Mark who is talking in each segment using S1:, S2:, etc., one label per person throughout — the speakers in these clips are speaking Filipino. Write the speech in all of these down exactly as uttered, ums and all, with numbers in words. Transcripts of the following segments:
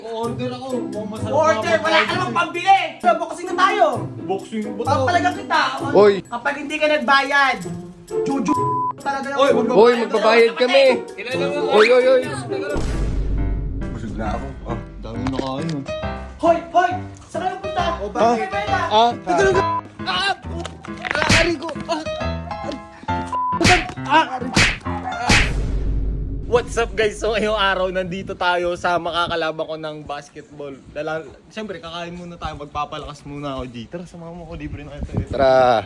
S1: Order ako. Mukhang masarap.
S2: Order! Wala ka namang pambili! Boxing na tayo!
S1: Boxing ba to?
S2: Papalagang kita!
S3: Oy.
S2: Kapag hindi ka nagbayad, juju talaga lang.
S1: Oy, magbabayad
S3: Hoy, magbabayad kami.
S1: Kilala mo.
S3: Oy, oy, oy.
S1: Busog na ako. Ah, dami na nakain. ah.
S2: Hoy! Hoy! Saan kayo punta?
S1: O,
S2: Bakit kayo pwede?
S1: Ah, teka lang. Ah! Ah, aray ko. Ah! Ah! What's up guys? So ngayong araw nandito tayo sa makakalaban ko ng basketball. Dala, siyempre kakain muna tayo, magpapalakas muna ako G. Tara, samahan mo ko, libre na ito eh.
S3: Tara.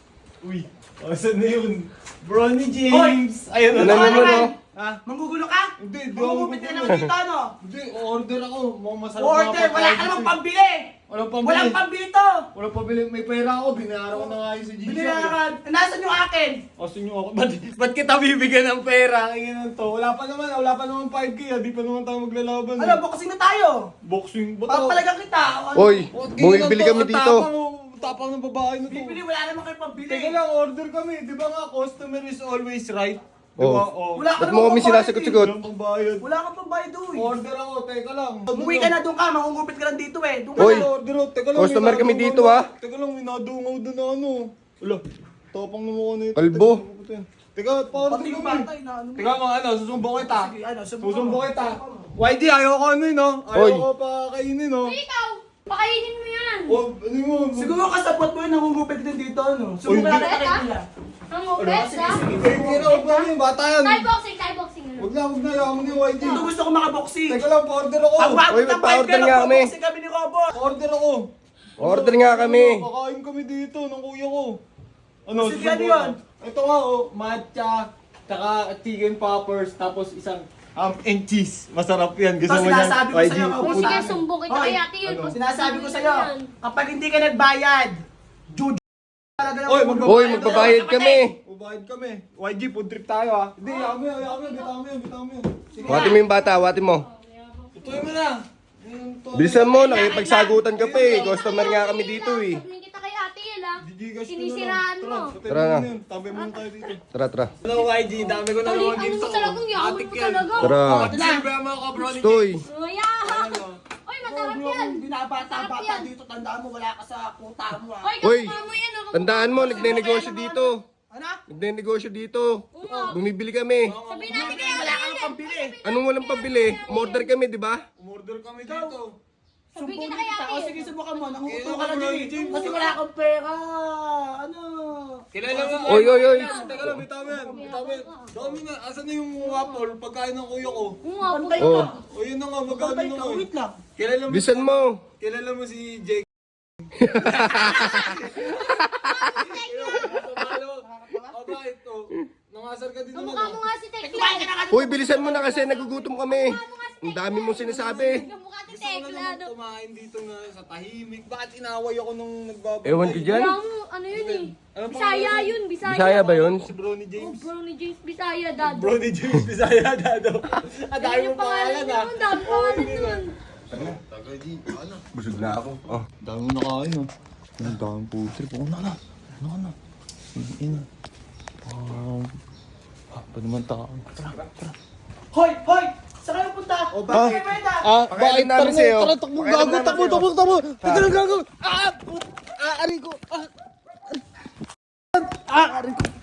S1: Uy, oh, saan na yun? Bronny James! Ayun
S3: Ano
S1: na.
S3: naman, no?
S1: Ha?
S2: Manggugulo ka?
S1: Hindi, di ako
S2: Mangugupit ka ng dito, ano?
S1: Hindi, order ako. Mukhang masarap
S2: Order! Wala ka namang pambili!
S1: Walang pambili.
S2: Walang pambili to!
S1: Walang pambili. May pera ako, binayaran ko na nga yun sa G-Shock.
S2: Binayaran! Nasaan yung akin?
S1: O, sinyo ako. Ba't, ba't kita bibigyan ng pera? Kaya to. Wala pa naman, wala pa naman five K ah. Di pa naman tayo maglalaban.
S2: Ano, boxing na tayo!
S1: Boxing ba to?
S2: Papalagang kita! Ano?
S3: Oy,
S1: Oh,
S3: bumibili
S1: ganyan
S3: kami
S1: to.
S3: dito.
S1: Tapang, oh, tapang ng babae na to.
S2: Bibili, wala naman kayo pambili!
S1: Teka lang, order kami. Di ba nga, customer is always right? Di
S3: Oh.
S1: ba? Oh.
S2: Wala ka
S3: Ba't mo
S2: namang
S3: kami
S2: pambayad
S3: sinasagot-sagot?
S1: Walang pambayad.
S2: Wala kang pambayad doon!
S1: Order ako, teka lang.
S2: Umuwi ka na doon ka, mangungupit ka lang dito eh! Doon ka
S3: Oy.
S2: na!
S1: Order ako, teka lang.
S3: Customer
S1: may
S3: kami
S1: nadungaw
S3: dito,
S1: na-
S3: ah.
S1: Teka lang, may nadungaw doon na ano. Wala, tapang na mukha na ito.
S3: Kalbo.
S1: Teka, Teka, pa-order
S2: Pati yung
S1: kami.
S2: bata, inaano mo.
S1: Teka mga ano, susumbong kita.
S2: Sige, ano, subukan
S1: Susumbong
S2: mo.
S1: kita. Y D, ayoko ano yun, no?
S3: Oy.
S1: Ayoko pa kainin, no?
S4: Ikaw! Pakainin mo yan!
S1: Oh, ano mo?
S2: Siguro kasapot mo yun, nangungupit din dito, ano?
S1: Oy,
S2: Subukan
S1: hindi.
S2: natin sa nila.
S4: Ang upet, ha?
S1: Eh, kira, huwag na yun, bata yan.
S4: Thai boxing, Thai boxing. ano?
S1: Huwag na, huwag na, ayaw mo ni Y D.
S2: Ito gusto ko makaboxing.
S1: Teka lang, pa-order ako.
S2: Ang bakit
S3: Oy,
S2: ng five
S3: magpa-order
S2: ka,
S3: nga kami.
S2: nagboboxing kami ni Robo.
S1: Pa-order ako.
S3: Order nga kami.
S1: Kakain kami dito ng kuya ko. Ano,
S2: Sige,
S1: susumbong
S2: ano yun?
S1: ko. Ito nga, oh, matcha, tsaka chicken poppers, tapos isang ham and cheese. Masarap yan. Gusto
S2: Ito
S1: mo yan?
S2: sinasabi ko
S1: Y D,
S2: sa'yo,
S4: O
S2: Pupunta
S4: sige,
S2: kami.
S4: sumbong kita
S2: Hoy,
S4: kay ate yun.
S1: ano?
S2: Sinasabi ko sa'yo, kapag hindi ka nagbayad, juju talaga lang.
S1: Oy,
S2: ang
S1: magbabayad
S3: Hoy,
S2: ulo.
S3: magbabayad kami.
S1: Ubayad kami. Y G, food trip tayo ah. Hindi, yaman mo yan, yaman mo yan, bitaw mo yan, bitaw mo yan. Sige
S3: Wati mo yung bata, wati mo.
S1: tutuloy mo na. Ayun, to.
S3: Bilisan mo, nakipagsagutan ka pa eh. Customer nga kami dito eh.
S4: Sabihin kita kay ate yun, ha?
S1: Gigigas ko na
S4: Sinisiraan
S1: lang.
S4: mo.
S1: Tara,
S3: Tara na.
S1: yun. Tabi mo tayo dito.
S3: Tara, tara.
S1: Hello Y G, dami ko na
S4: Tali,
S1: naman
S4: ano
S1: ginto.
S4: mo talagang yaman
S1: Atik
S4: mo
S1: yan.
S4: talaga?
S3: Tara.
S1: Pati silbi ang mga kabroni.
S3: Stoy.
S4: Oh, yeah. Oy, masarap
S2: Bro,
S4: yan.
S2: Hindi na bata-bata
S4: Sarap yan.
S2: dito, tandaan mo, wala ka sa kuta mo ah.
S4: Oy,
S3: Hoy,
S4: kamukha mo yan, oh.
S3: tandaan mo, nagne-negosyo dito.
S2: Ano?
S3: Nagne-negosyo dito. Bumibili kami.
S4: Sabihin natin kay
S2: Wala ka
S4: ate
S2: nang pambili.
S3: Anong walang pabili? Umorder kami, di ba?
S1: Umorder kami dito.
S4: Sabihin kita kay ate.
S2: O sige, subukan mo, nangunguto
S1: Kailan
S2: ka lang
S1: ka,
S2: dyan.
S1: James?
S2: Kasi wala kang pera. Ano?
S1: Kilala mo.
S3: Oy, oy, oy.
S1: Teka lang, bitaw mo yan. Bitaw mo yan. Dami na. Asan na yung waffle? Pagkain ng kuya ko.
S4: Oo nga,
S2: Pantay
S3: Oh.
S2: ka.
S1: O yun na nga, magkano
S2: Pantay
S1: na
S2: ka,
S1: nga eh.
S2: wait lang.
S1: Kilala mo.
S3: Bisan mo.
S1: Kilala mo si Jake. O bakit to? Nangasar ka din naman.
S4: kamukha mo
S1: ah.
S4: nga si Tekla.
S2: Kumain ka na kasi.
S3: Hoy, bilisan mo na kasi nagugutom kami. Ang dami mong sinasabi.
S4: Kamukha si
S1: Gusto ko na
S4: Tekla,
S1: naman
S4: no?
S1: kumain dito nga sa tahimik. Bakit inaway ako nung nagbabantay?
S3: Ewan ko dyan.
S4: Wala mo, ano yun eh.
S1: Ano pa
S4: Bisaya
S1: nga yun?
S4: yun, Bisaya.
S3: Bisaya ba yun?
S1: Si Bronny
S4: Oh,
S1: James.
S4: bro ni James Bisaya, dad.
S1: Bronny James, Bisaya, Dado. Ang dami
S4: Ayun
S1: mong pangalan ah.
S4: Ang dami pangalan nun.
S1: Tagay di, ano?
S3: Busog na ako. Oh.
S1: Dami mo nakain ah. Ang daming food trip. Ako na na. Ano ka na? Ina. Um, ah, pa naman tao. Tara, tara.
S2: Hoy, hoy! Saan kayo punta? O
S3: bakit?
S2: kayo pwede?
S1: Ah,
S3: Pakailan namin sa'yo.
S1: Tara, takbong
S3: Pakailan
S1: gago,
S3: namin
S1: takbo,
S3: sa'yo.
S1: takbo, takbo. Teka lang gago. Ah! Ah, aray ko. Ah! Ah, aray ko.